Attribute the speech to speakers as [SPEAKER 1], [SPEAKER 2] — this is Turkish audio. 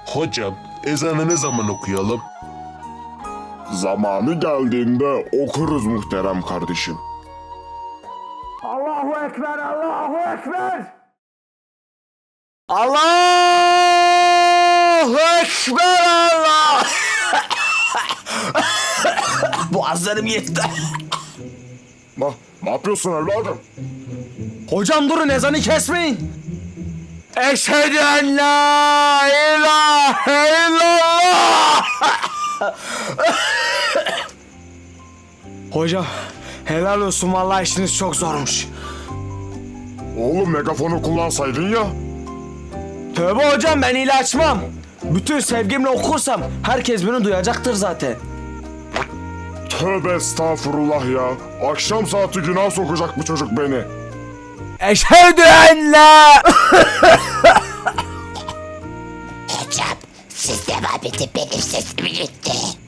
[SPEAKER 1] Hocam, ezanı ne zaman okuyalım?
[SPEAKER 2] Zamanı geldiğinde okuruz muhterem kardeşim.
[SPEAKER 3] Allahu Ekber, Allahu Ekber.
[SPEAKER 4] Allahu Ekber Allah. Boğazlarım yetti.
[SPEAKER 2] Ne yapıyorsun evladım?
[SPEAKER 4] Hocam durun, ezanı kesmeyin. Eşhedü en la ilahe illallah. Hocam helal olsun, vallahi işiniz çok zormuş.
[SPEAKER 2] Oğlum megafonu kullansaydın ya.
[SPEAKER 4] Tövbe hocam, ben hile açmam. Bütün sevgimle okursam herkes beni duyacaktır zaten.
[SPEAKER 2] Tövbe estağfurullah ya. Akşam saati günah sokacak bu çocuk beni.
[SPEAKER 4] Eşhedü en la...
[SPEAKER 5] Hocam siz devam edin, benim sesimi gitti.